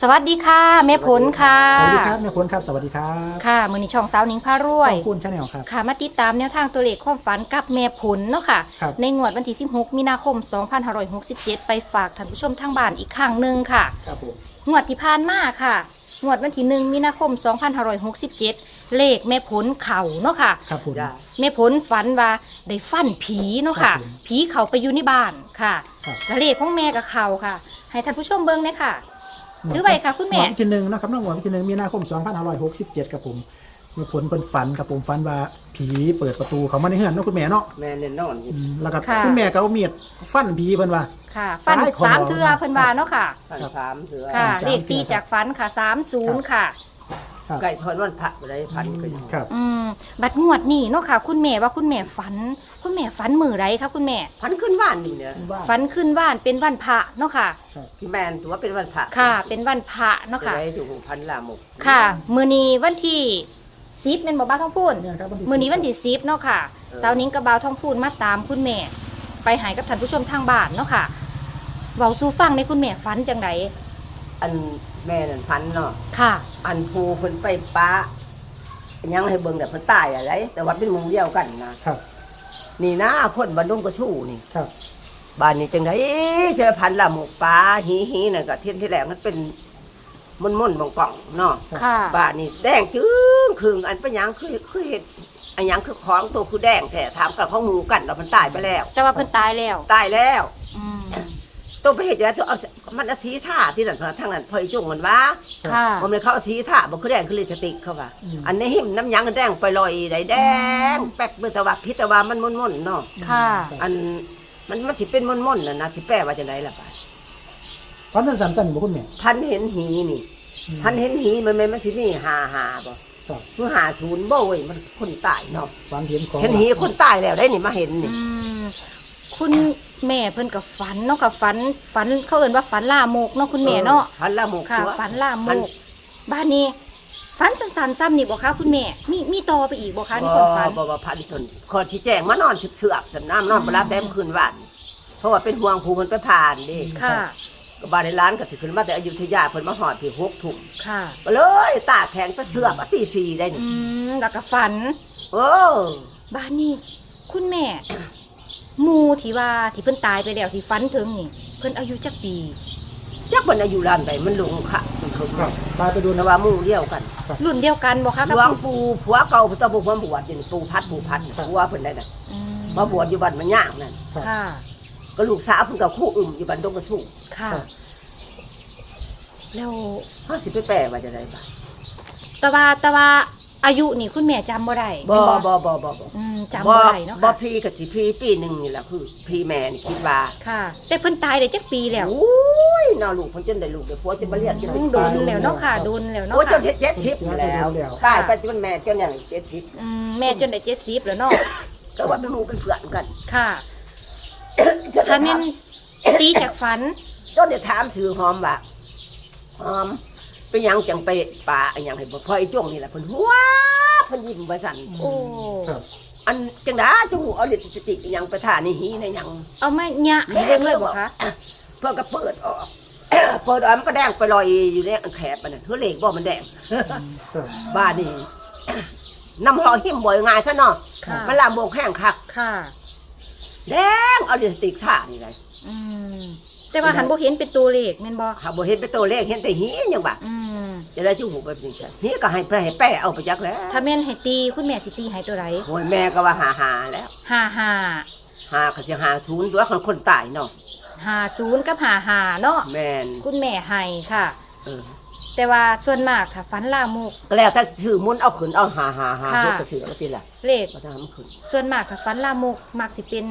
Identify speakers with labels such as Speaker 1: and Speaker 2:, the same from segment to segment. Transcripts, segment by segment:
Speaker 1: สวัสดีค่ะแม่ผลค่ะ
Speaker 2: สวัสดีครับแม่ผลครับสวัสดีครับ
Speaker 1: ค่ะมือนี้ช่องสาวหนิงพารวย
Speaker 2: ขอบคุณชาแนลครับ
Speaker 1: ค่ะมาติดตามแนวทางตัวเลขความฝันกับแม่ผลเนาะค่ะในงวดวันที่16มีนาคม2567ไปฝากท่านผู้ชมทางบ้านอีกครั้งหนึ่งค่ะ
Speaker 2: ครับผม
Speaker 1: งวดที่ผ่านมาค่ะงวดวันที่1มีนาคม2567เลขแม่ผลเข่าเนาะค่ะ
Speaker 2: ครับผม
Speaker 1: แม่ผลฝันว่าได้ฟันผีเนาะค่ะผีเขาไปอยู่ในบ้านค่ะแล้วเลขของแม่กับเขาค่ะให้ท่านผู้ชมเบิ่งเลยค่ะถือไว้ค่ะคุณแม่
Speaker 2: วันที่1นะครับน้องวันที่1มีนาคม2567ครับผมแม่ผลเป็นฝันครับผมฝันว่าผีเปิดประตูเขามาในเฮือนเนาะคุณแม่เนาะ
Speaker 3: แม่เล่นนอนอยู่
Speaker 2: แล้วก็คุณแม่ก็เอามีดฟันผีเพิ่นว่า
Speaker 1: ค่ะฟัน3เทื่อเพิ่นว่าเนาะค่ะ
Speaker 3: ฟัน3เถื่อ
Speaker 1: ค่ะเลขตีจากฟันค่ะ30ค่ะ
Speaker 3: ไก่ทอนวันพระบ่ได้พันก็อยู่
Speaker 2: ครับ
Speaker 1: บัดงวดนี้เนาะค่ะคุณแม่ว่าคุณแม่ฝันมื้อไรคะคุณแม่
Speaker 3: พันขึ้นบ้านนี่เนี่ย
Speaker 1: ฝันขึ้นบ้านเป็นวันพระเนาะค่ะ
Speaker 3: ที่แม่นตัวเป็นวันพระ
Speaker 1: ค่ะเป็นวันพระเนาะค่ะ
Speaker 3: ได้อยู่พันลาหมก
Speaker 1: ค่ะมื้อนี้วันที่10แม่นบ่บ่าวทองพูนมื้อนี้วันที่10เนาะค่ะสาวนิ้งกับบ่าวทองพูนมาตามคุณแม่ไปหายกับท่านผู้ชมทางบ้านเนาะค่ะเว้าสู่ฟังในคุณแม่ฝันจังได
Speaker 3: อันแม่นั่นพันเนาะ
Speaker 1: ค่ะ
Speaker 3: อันภูเพิ่นไปป้ายังให้เบิ่งแต่เพิ่นตายอะไรแต่ว่าเป็นหมู่เดียวกันนะครับนี่นะคนบ้านดงกระชู่นี่
Speaker 2: ครับ
Speaker 3: บ้านนี้จังได๋เจอพันละหมกป้าหีนั่นก็เที่ยนที่แรกมันเป็นม่นๆป่องๆเนาะ
Speaker 1: ค่ะ
Speaker 3: บ้านนี้แดงจึ้งครึ่งอันเป็นหยังคือเห็ดอันหยังคือของตัวคือแดงแท้ถามกับข้องหมูกันแล้วมันตายไปแล้ว
Speaker 1: แต่ว่าเพิ่นตายแล้ว
Speaker 3: ตัวไปเห็ดแล้วตัวเอามันเอาสีท่าที่นั่นทางนั้นพอจุ่งมันว่า
Speaker 1: ค่ะ
Speaker 3: มันเลยเขาเอาสีท่าบอกคือแดงคือลิปสติกเขาว่าอันนี้หิมน้ำยังแดงไปลอยได้แดงแป๊กเมื่อตะวันพิตะวันมันม่นๆเนาะ
Speaker 1: ค่ะ
Speaker 3: อันมันสิเป็นม่นๆนะสิแปลว่าจะไหนล่ะป้า
Speaker 2: ฝันสั้นๆบ่คุณแม่
Speaker 3: พันเห็นหีนี่พันเห็นหีมันสิมีหาบ่คือหาศูนย์บ่เว้ยมันคนตายเนาะ
Speaker 2: ฝันเห็นของ
Speaker 3: เห็นหีคนตายแล้วได้นี่มาเห็นนี่
Speaker 1: คุณแม่เพิ่นกับฝันเนาะกับฝันเขาเอิ้นว่าฝันล่ามกเนาะคุณแม่เนาะ
Speaker 3: ฝันล่ามก
Speaker 1: ค่ะฝันล่ามกบ้านนี้ฝันสั้นๆซ้ำนี่บ่คะคุณแม่มีต่อไปอีกบ่คะนี่คนฝัน
Speaker 3: บ่พันทนขอชี้แจงมานอนเสือบสำน้ำนอนบ่รับแดมคืนวันเพราะว่าเป็นห่วงผู้มันไปผ่านดิ
Speaker 1: ค่ะ
Speaker 3: ก็บ้านในร้านก็สิขึ้นมาแต่อยุธยาเพิ่นมาฮอดที่6 ทุ่ม
Speaker 1: ค่ะ
Speaker 3: ก็เลยตาแข็งไปเสือบตี4ได้นี่
Speaker 1: แล้วก็ฝันบ้านนี้คุณแม่หมู่ที่ว่าที่เพิ่นตายไปแล้วที่ฝันถึงนี่เพิ่นอายุจักปี
Speaker 3: จักเพิ่นอายุล้านใดมันลงค่ะมันเขา
Speaker 2: ตายไปโดน
Speaker 3: ว่าหมู่เดียวกัน
Speaker 1: รุ่นเดียวกันบ่คะ
Speaker 3: กับปู่ผัวเก่าเพิ่นต้องบ่มาบวชอยู่ปู่พัดผัวเพิ่นได้น่ะมาบวชอยู่บ้านมันย่างนั่น
Speaker 1: ค่ะ
Speaker 3: ก็ลูกสาวเพิ่นก็คู่อึมอยู่บ้านดงกระชู่
Speaker 1: ค่ะแล้ว
Speaker 3: เฮาสิไปแปลว่าจะได้บ่
Speaker 1: แต่ว่าอายุนี่คุณแม่จำบ่ได้
Speaker 3: บ่
Speaker 1: จำบ่ได้เนาะ
Speaker 3: บ่พี่ก็สิพี่ปีนึงนี่แหละคือพี่แม่นี่คิดว่า
Speaker 1: ค่ะแต่เพิ่นตายได้จักปีแล้ว
Speaker 3: โอ้ยน่าลูกเพิ่นจนได้ลูกได้ผัวจนบ่เรียนจน
Speaker 1: โดนแล้วเนาะค่ะโดนแล้วเนาะ
Speaker 3: โอ้จน70แล้วตายไปจนแม่จนอย่าง70
Speaker 1: แม่จนได้70แล้วเนาะ
Speaker 3: ก็ว่าเป็นหมู่เป็นเพื่อนกัน
Speaker 1: ค่ะถ้าแม่นตีจากฝัน
Speaker 3: จนได้ถามชื่อหอมว่าหอมเป็นหยังจังไปป่าอันหยังให้บ่พอไอ้จ้วงนี่แหละเพิ่นหัวเพิ่นยิ้มว่าซั่น
Speaker 1: โอ้
Speaker 3: อันจังได๋จังหูเอาลิปสติกอีหยังไปทาในหีในหยัง
Speaker 1: เอามาหยะให้เบิ่งเลยบ่คะ
Speaker 3: เพิ่นก็เปิดออกมันก็แดงไปลอยอยู่ในอันแคบมันน่ะเท่าเลขบ่มันแดงบ้านนี่น้ำหอหิมบ่ง่ายซะเนาะมันลามวงแห้งคัก
Speaker 1: ค่ะ
Speaker 3: แดงเอาลิปสติกทานี่ได
Speaker 1: แต่ว่าหันบ่เห็นเป็นตัวเลขแม่นบ่
Speaker 3: ค่ะบ่เห็นเป็นตัวเลขเห็นแต่หีหยังบ่จะได้จูหูแบบนี้จ้ะหีก็ให้แป้เอาไปจักแล้ว
Speaker 1: ถ้าแม่นให้ตีคุณแม่สิตีให้ตัวใด
Speaker 3: โอ้ยแม่ก็ว่าหาแล้ว
Speaker 1: 55
Speaker 3: ก็สิ50ตัวคนตายเนาะ
Speaker 1: 50กับ55เนาะ
Speaker 3: แม่น
Speaker 1: คุณแม่ให้ค่ะแต่ว่าส่วนมากถ้าฝันลามก
Speaker 3: ก็แล้วแต่ชื่อมุนเอาขึ้นเอา55เฮ็ดก็ชื่อว่าสิล่ะ
Speaker 1: เลข
Speaker 3: บ่ทำขึ้น
Speaker 1: ส่วนมากถ้าฝันลามกมักสิเป็น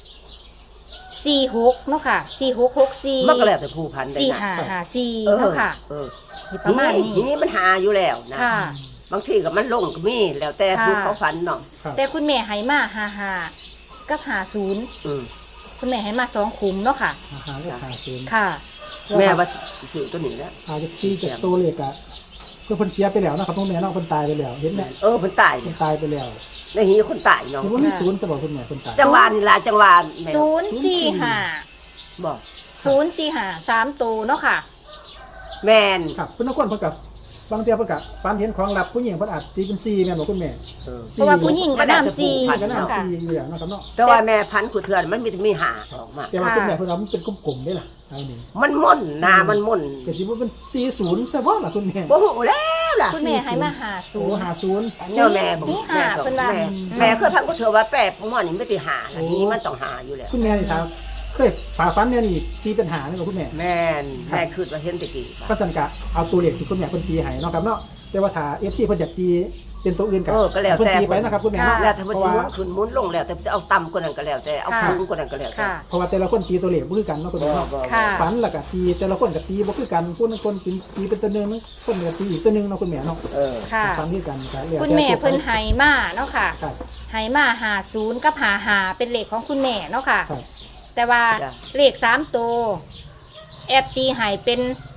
Speaker 1: 46เนาะค่ะ4664
Speaker 3: มันก็แล้วแต่ผู้พันได้
Speaker 1: 4554เนาะค่ะประมาณนี้
Speaker 3: ทีนี้มันหาอยู่แล้วนะ
Speaker 1: ค่ะ
Speaker 3: บางทีก็มันลงก็มีแล้วแต่ผู้เขาฝันเนาะ
Speaker 1: แต่คุณแม่ให้มา55กับ50คุณแม่ให้มา2ขุมเนาะค่ะ
Speaker 2: 55
Speaker 1: ค่ะ
Speaker 3: แม่ว่าชื่อตัวนี้แล้ว
Speaker 2: อาจจะที่จากตัวเลขอ่ะคือเพิ่นเสียไปแล้วนะครับพ่อแม่เนาะเพิ่นตายไปแล้วเห็นไหม
Speaker 3: เพิ่นตาย
Speaker 2: ไปแล้ว
Speaker 3: ในหีคนตายเนาะ
Speaker 2: คือว่ามีศูนย์จะบอกคุณแม่คนตาย
Speaker 3: จังหวะนี่ล่ะจังหวะแม่
Speaker 1: 045
Speaker 3: บอก
Speaker 1: 045 3ตัวเนาะค่ะ
Speaker 3: แมน
Speaker 2: ครับคุณนักคนเพิ่นกับบางเทีเพิ่นกับฝันเห็นของลับผู้หญิงเพิ่นอาจตีเป็น4แม่นบ่คุณแม่
Speaker 1: เพราะว่าผู้หญิงก็น้ำซี
Speaker 2: ก็น้ำ
Speaker 1: เนาะค่ะ
Speaker 2: 4อยู่อย่างเนาะครับเนาะ
Speaker 3: แต่ว่าแม่พันธุ์ขุดเถื่อนมันมีหาออกมา
Speaker 2: แต่ว่าคุณแม่เพิ่นว่ามันเป็นกลมๆได้ล่ะใช่นี่
Speaker 3: มันม่นหนามันม่น
Speaker 2: ก็สิบ่เป็น40ซะบ่ล่ะคุณแม่
Speaker 3: โอ้โหแล้วล่ะ
Speaker 1: คุณแม่ให้มาหา
Speaker 2: โอ้
Speaker 1: ศูนย์
Speaker 2: 50
Speaker 3: เนี่ยแม่ผม
Speaker 1: นี่หา
Speaker 3: แม่
Speaker 1: เป็นว่า
Speaker 3: แม่เคยพันขุดเถื่อนว่าแปะผมว่านี่ไม่ได้หานะทีนี้มันต้องหาอยู่แล้ว
Speaker 2: คุณแม่นี่ครับเคยฝ่าฟันเนี่ยนี่ตีปัญหาเนี่ยบ่คุณแม่
Speaker 3: แม่นแม่คืดว่าเห็นแตะกี้
Speaker 2: ก็สันกะเอาตัวเลขที่คุณแม่เพิ่นตีให้เนาะครับเนาะแต่ว่าถ้า FC เพิ่นอยากตีเป็นตัวอื่นก็
Speaker 3: ก็แล้ว
Speaker 2: เพิ่น
Speaker 3: แต่
Speaker 2: ตีไปนะครับคุณแม่เนาะ
Speaker 3: แล้วถ้ามัน
Speaker 2: เพ
Speaker 3: สิ
Speaker 2: ราะ
Speaker 3: หมุ
Speaker 2: ว่าน
Speaker 3: ขึ้นหมุนลงแล้วแต่จะเอาต่ำกว่านั้นก็แล้วแต่เอาสูงกว่านั้นก็แล้วแต่
Speaker 1: ค่ะ
Speaker 2: เพราะว่าแต่ละคนตีตัวเลขบ่คือกันเนาะคุณแม่เนาะ
Speaker 1: ค่ะ
Speaker 2: ฝันแล้วก็ตีแต่ละคนก็ตีบ่คือกันคนตีเป็นตัวหนึงคนก็ตีอีกตัวหนึงเนาะคุณแม่เนาะ
Speaker 1: ค่ะ
Speaker 2: ฝันคือกันก็แล้ว
Speaker 1: คุณแม่เพิ่นให้มาเนาะค่ะ
Speaker 2: ครับ
Speaker 1: ให้มาหาศูนย์กับหาเป็นเลขของคุณแม่เนาะค่ะ
Speaker 2: ครับ
Speaker 1: แต่ว่า
Speaker 3: จ้ะ
Speaker 1: เลข3ตัวแอบตีให้เป็น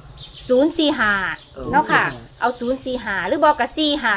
Speaker 1: 045เนาะค่ะ เอา045หรือบอกกับ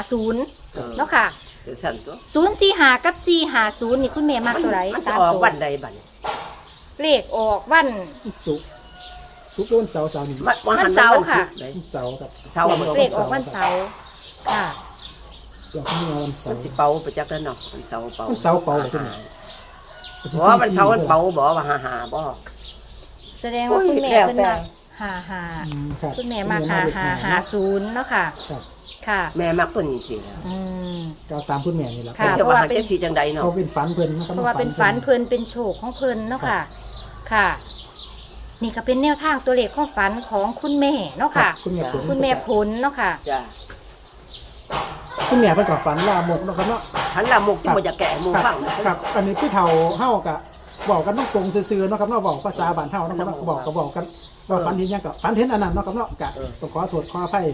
Speaker 1: 450เนาะค่ะ
Speaker 3: จังซั่นตัว
Speaker 1: 045กับ450นี่คุณแม่มักตัวไหน
Speaker 3: มันจะ
Speaker 1: สาม
Speaker 3: ออก
Speaker 1: ตัว
Speaker 3: วันใดบัดนี้
Speaker 1: เลขออกวัน
Speaker 2: สุกร์โดนเสาร์นี่
Speaker 1: วันเสาร์ค่ะ
Speaker 3: ไหน
Speaker 2: เสาร์ครับ
Speaker 3: เสาร์
Speaker 1: เลขออกวันเสาร์ค่ะ
Speaker 2: อย่างที่มีวันเสา
Speaker 3: มัน
Speaker 2: ร์
Speaker 3: สิเป่าไปจักแล้วเนาะวันเสาร์เป่า
Speaker 2: วันเสาร์เป่าเหรอคุณแม่
Speaker 3: บ่ว่าวันเสาร์มันเป่าบ่ว่าหาบ่
Speaker 1: แสดงว่าคุณแม่
Speaker 3: แล้ว
Speaker 1: เป็น
Speaker 3: แต่
Speaker 1: มาหา
Speaker 2: ครับ
Speaker 1: คุณแม่มาหาศูนย์เนาะค่ะ
Speaker 2: ครับ
Speaker 1: ค่ะ
Speaker 3: แม่มักตัวนี้สิแล้ว
Speaker 1: อืม
Speaker 2: ก็ตามคุณแม่นี่แหละ
Speaker 1: ค่ะ
Speaker 3: จะว่าหาจังสิจังใดเนาะ
Speaker 2: เขาเป็นฝันเพิ่นนะครับ
Speaker 1: เพราะว่าเป็นฝันเพลินเป็นโชคของเพลินเนาะค่ะ ค่ะ นี่ก็เป็นแนวทางตัวเลขของฝันของคุณแม่เนาะ
Speaker 2: ครั
Speaker 1: ค่ะ
Speaker 2: บคุณแม่ผล
Speaker 1: คุณแม่ผลเนาะค่ะ
Speaker 3: จ้ะ
Speaker 2: คุณแม่เพิ่นก็ฝันลามกเนาะครับเนาะ
Speaker 3: หันละมุกที่บ่จะแก่หมู่
Speaker 2: ครับ
Speaker 3: ฟัง
Speaker 2: ครับอันนี้ผู้เฒ่าเฮาก็บอกกันตรงๆซื่อๆเนาะครับเนาะบอกภาษาบ้านเฮาเนาะครับเนาะบอกก็บอกกันว่าฝันเห็นหยังก็ฝันเห็นอันนั้นเนาะครับเนาะก็ต้องขอโทษขออภัย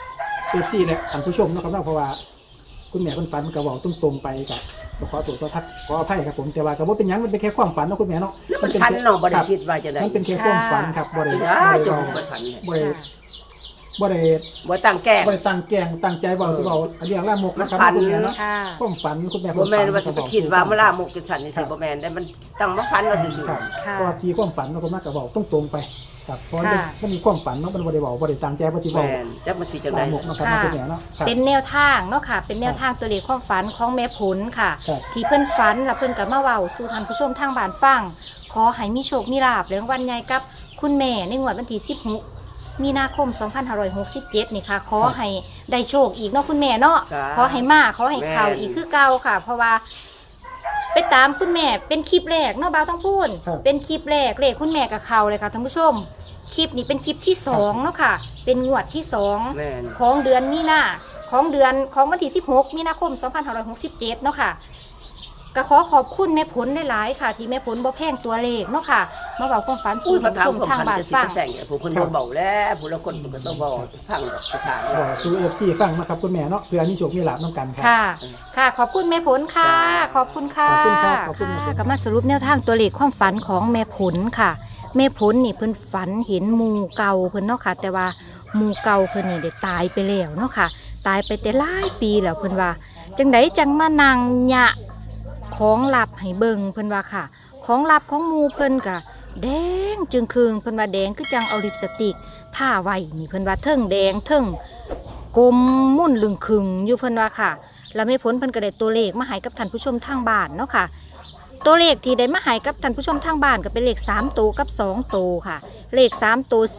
Speaker 2: FC และท่านผู้ชมเนาะครับเนาะเพราะว่าคุณแม่เพิ่นฝันก็บอกตรงๆไปก็ต้องขอโทษขออภัยครับผมแต่ว่าก็บ่เป็นหยังมันเป็นแค่ความฝันเนาะคุณแม่เนาะ
Speaker 3: มันพันเนาะบ่ได้
Speaker 2: ครับ
Speaker 3: คิดว่าจะได้
Speaker 2: มันเป็นแค่ความฝันครับบ่ได้
Speaker 3: จ้า
Speaker 2: บ่ได้
Speaker 3: จ
Speaker 2: บ
Speaker 3: ง
Speaker 2: อก
Speaker 3: มันพันเนี่ย
Speaker 2: บ่ได้บ่ได้
Speaker 3: บ่ตั้งแก้
Speaker 2: บ่ได้ตั้งแกล้งตั้งใจบอกจะบอกเรื่องลามกนะครับ
Speaker 3: มันฝัน
Speaker 2: คุณแม่เนาะ
Speaker 1: ค่ะ
Speaker 2: ความฝันคุณแม่
Speaker 3: บ่แม่นว่าสิไปคิดว่ามา
Speaker 2: ล่
Speaker 3: ลามุกจังซั่นนี่สิบ่แม่นได้มันตั้งมาพันว่าซื่อ
Speaker 2: ครับ
Speaker 1: ค่ะ
Speaker 2: เพราะว่าทีความฝันเนาะคุณแม่ก็บอกตรงๆไปครับเพราะว่า
Speaker 1: ค่ะ
Speaker 2: มันมีความฝันเนาะมันบ่ได้บอกบ่ได้ตั้งใจว่าสิ
Speaker 3: ๆ
Speaker 2: บอก
Speaker 3: แม่นจักมันสิจังได๋
Speaker 2: ลามกเนาะครับคุณแม่เนาะครับ
Speaker 1: เป็นแนวทางเนาะค่ะ เป็นแนวทางตัวเลขความฝันของแม่ผลค่ะ
Speaker 2: ครับ
Speaker 1: ที่เพิ่นฝันแล้วเพิ่นก็มาเว้าสู่ท่านผู้ชมทางบ้านฟัง ขอให้มีโชคมีลาภเรื่องวันใหญ่กับคุณแม่ในงวดวันที่16มีนาคม 2567 นี่ค่ะ ขอให้ได้โชคอีกเนาะคุณแม่เนาะ
Speaker 3: จ้า
Speaker 1: ขอให้มาขอให้เข้าอีกคือเก่าค่ะ เพราะว่า ไปตามคุณแม่เป็นคลิปแรกเนาะบ่าวต้องพูด
Speaker 2: ครับ
Speaker 1: เป็นคลิปแรกเลขคุณแม่กับเขาเลยค่ะท่านผู้ชม คลิปนี้เป็นคลิปที่2เนาะค่ะ เป็นงวดที่2
Speaker 3: แม่น
Speaker 1: ของเดือนมีนาของเดือนของวันที่16มีนาคม 2567 เนาะค่ะก็ขอขอบคุณแม่ผลหลายๆค่ะ ที่แม่ผลบ่แพงตัวเลขเนาะค่ะมาบอกความฝัน
Speaker 3: อุ้
Speaker 1: สู่
Speaker 3: ยมา
Speaker 1: ท่าน
Speaker 3: ถาม
Speaker 1: ผู้ชม
Speaker 3: ความ
Speaker 1: ทาง
Speaker 3: พัน
Speaker 1: บ้าน
Speaker 3: จะสิ
Speaker 1: ฟัง
Speaker 3: ไปแซงเนี่ยผู้คนบ่เบาแล้วผู้ละคนมันก็ต้องเว้าฟังสถาน
Speaker 2: บอกสู่ FC ฟังนะครับคุณแม่เนาะเพื่อมีโชคมีลาภนํกันครับ
Speaker 1: ค่ะ ค่ะ ขอบคุณแม่ผลค่ะ ขอบคุณค่ะ
Speaker 2: ขอบคุณครับขอบคุณแม่ผล
Speaker 1: ค่ะก็มาสรุปแนวทางตัวเลขความฝันของแม่ผลค่ะแม่ผลนี่เพิ่นฝันเห็นหมูเก่าเพิ่นเนาะค่ะ แต่ว่าหมูเก่าเพิ่นนี่ได้ตายไปแล้วเนาะค่ะ ตายไปแต่หลายปีแล้วเพิ่นว่า จังไดจังมานั่งหยะของลับให้เบิ่งเพิ่นว่าค่ะ ของลับของหมูเพิ่นก็แดงจึงคืงเพิ่นว่าแดงคือจังเอาลิปสติกทาไว้นี่เพิ่นว่าเทิงแดงเทิงกลมมุ่นลึงคึงอยู่เพิ่นว่าค่ะ แล้วแม่ผลเพิ่นก็ได้ตัวเลขมาให้กับท่านผู้ชมทางบ้านเนาะค่ะ ตัวเลขที่ได้มาให้กับท่านผู้ชมทางบ้านก็เป็นเลข3ตัวกับ2ตัวค่ะ เลข3ตัว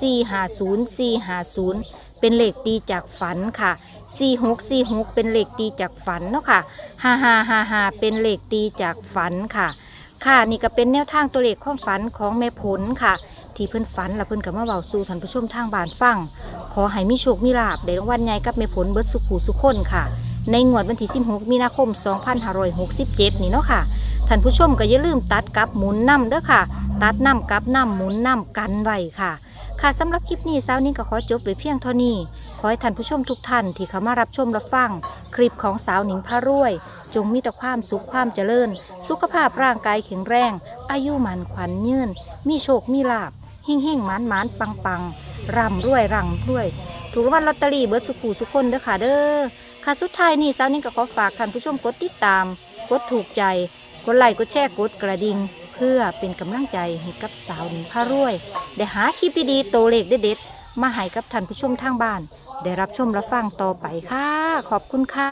Speaker 1: 450เป็นเลขตีจากฝันค่ะ46เป็นเลขตีจากฝันเนาะค่ะ5555เป็นเลขตีจากฝันค่ะ ค่ะนี่ก็เป็นแนวทางตัวเลขความฝันของแม่ผลค่ะ ที่เพิ่นฝันแล้วเพิ่นก็มาเว้าสู่ท่านผู้ชมทางบ้านฟัง ขอให้มีโชคมีลาภได้รางวัลใหญ่กับแม่ผลเบิดสุขหูสุขคนค่ะ ในงวดวันที่16มีนาคม 2567 นี่เนาะค่ะ ท่านผู้ชมก็อย่าลืมตัดกับหมุนนำเด้อค่ะ ตัดนำกับนำหมุนนำกันไว้ค่ะ ค่ะสำหรับคลิปนี้เช้านี้ก็ขอจบไว้เพียงเท่านี้ ขอให้ท่านผู้ชมทุกท่านที่เข้ามารับชมรับฟัง คลิปของสาวหนิงพารวย จงมีแต่ความสุขความเจริญ สุขภาพร่างกายแข็งแรง อายุมันขวัญยืนมีโชคมีลาภเฮ่งเฮ่งหมานหมานปังปังร่ำรวยร่ำรวย ถูกรางวัลลอตเตอรี่เบิดสุขูสุขคนเด้อค่ะเด้อค่ะสุดท้ายนี่สาวหนิงก็ขอฝากท่านผู้ชมกดติดตาม กดถูกใจกดไลค์กดแชร์กดกระดิ่งเพื่อเป็นกำลังใจให้กับสาวหนิงพารวยได้หาคลิปดีๆโตวเลขเด็ดๆมาให้กับท่านผู้ชมทางบ้านได้รับชมรับฟังต่อไปค่ะขอบคุณค่ะ